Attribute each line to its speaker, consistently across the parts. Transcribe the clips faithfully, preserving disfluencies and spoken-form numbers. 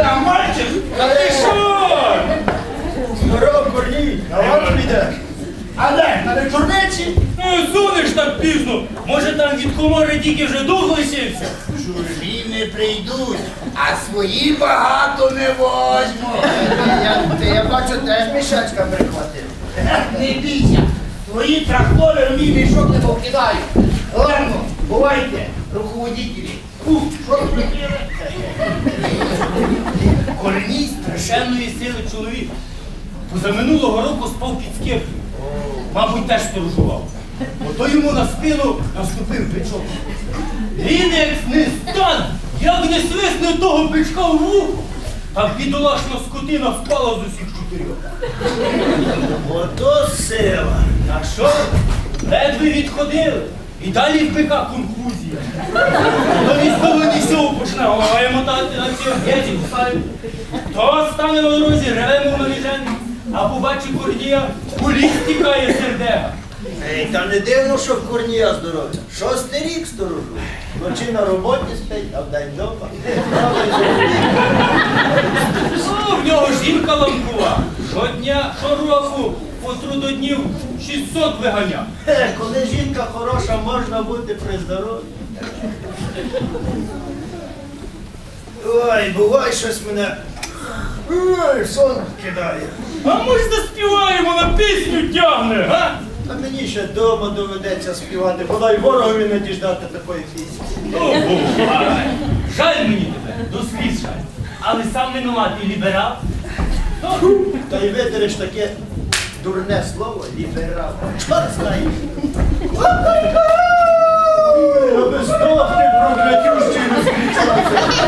Speaker 1: Да, мальчик! Та ти що?
Speaker 2: Здорово, Корній, на ланч підеш?
Speaker 1: А де? На вечорниці? Ну, сунеш так пізно. Може там від комори тільки вже дух лишився?
Speaker 3: Чужі не прийдуть, а свої багато не возьму.
Speaker 2: Я, ти, я бачу, теж мішечка прихватив.
Speaker 3: Не бійся, твої трактори в мій мішок не покидають. Ладно, бувайте, руководителі. У, що ви хотіли?
Speaker 1: Корній страшенної сили чоловік. Позаминулого року спав під скиркою. Мабуть, теж сторожував. Ото йому на спину наступив бичок. Він як не стан, як не свисне того бичка в вухо, так бідолашна скотина впала з усіх чотирьох.
Speaker 2: Ото сила.
Speaker 1: Так що, ледве відходили. І далі в бика конфузія. То військовий нісьов почне головою мотати на ці об'єті кусають. То стане на дорозі, реве мов навіжений, а побачить Корнія, у ліс тікає сердега.
Speaker 2: Ей, та не дивно, що в Корнія здоров'я. Шостий рік сторожу. Вночі на роботі спить, а вдень вдома.
Speaker 1: Ну, в нього жінка ламкова. Щодня, щороку, по трудоднів шістсот виганяв.
Speaker 2: Е, Коли жінка хороша, можна бути при здоров'ї. Ой, буває щось мене. Ой, сон кидає.
Speaker 1: А ми ж заспіваємо, на пісню тягне, га?
Speaker 2: А мені ще вдома доведеться співати, бодай ворогові не діждати такої пісні.
Speaker 1: Ну, бувай. Жаль мені тебе, до сліз жаль. Але сам винуватий ліберал. Ну,
Speaker 2: Та й видереш таке дурне слово ліберал. Чорт знає. Аби здохти, проклятющий, не зустрічався.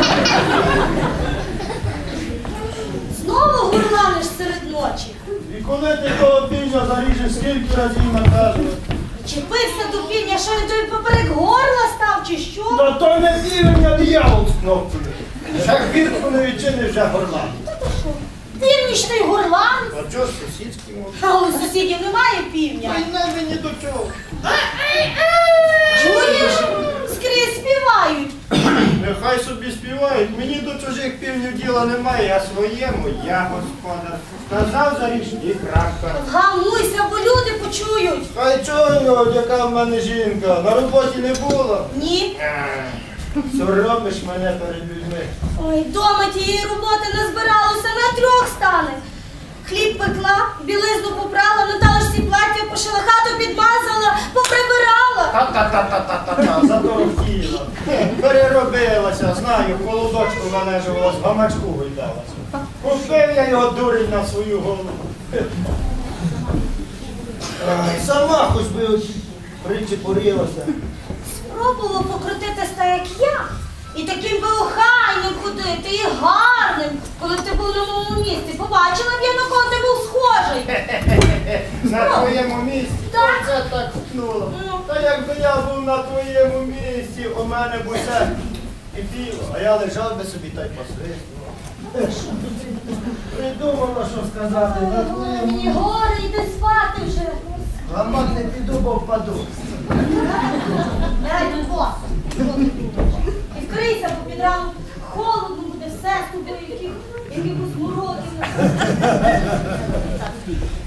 Speaker 4: Знову гурланиш серед ночі.
Speaker 2: І коли ти того півня заріжеш, скільки разів наказувати?
Speaker 4: Чепився до півня, що він тобі поперек горла став, чи що?
Speaker 2: Та то не півень, а диявол з кнопкою. Ще хвіртку не відчини, вже горлан.
Speaker 4: Та ти що? Північний горлан?
Speaker 2: А чого ж сусідський мов?
Speaker 4: А у сусідів немає півня.
Speaker 2: Ай, не мені до чого.
Speaker 4: Чуєш? Скрізь співають.
Speaker 2: Нехай собі співають, мені до чужих півнів діла немає, а своєму я господар. Сказав заріж і крапка.
Speaker 4: Вгамуйся, бо люди почують.
Speaker 2: Хай чого, яка в мене жінка, на роботі не було.
Speaker 4: Ні.
Speaker 2: Соромиш мене перед людьми.
Speaker 4: Ой, дома тієї роботи назбиралося, на трьох стане. Хліб пекла, білизну попрала, Наталочці плаття пошила, хату підмазала, поприбирала.
Speaker 2: Та-та-та-та-та-та, заторохтіла. Переробилася, знаю, холодочку належувалась, в гамачку гойдалася. Купив я його дурень на свою голову. Ай, сама хоч би от причепурилася.
Speaker 4: Спробував покрутитись так, як я. І таким би охайним ходити, і гарним, коли б ти був на моєму місці. Побачила б я, на кого ти був схожий.
Speaker 2: На твоєму місці?
Speaker 4: Так.
Speaker 2: Оце так купнуло.
Speaker 4: Ну.
Speaker 2: Та якби я був на твоєму місці, у мене б усе кипіло, а я лежав би собі та й посвистував. Придумала, що сказати. На
Speaker 4: Ой,
Speaker 2: твоєму
Speaker 4: мені горе, йди спати вже.
Speaker 2: гамак не піду, бо впаду.
Speaker 4: Я йду босс. І вкрийся, бо під ранок холодно буде, все з тобою, яких, якихось мороків.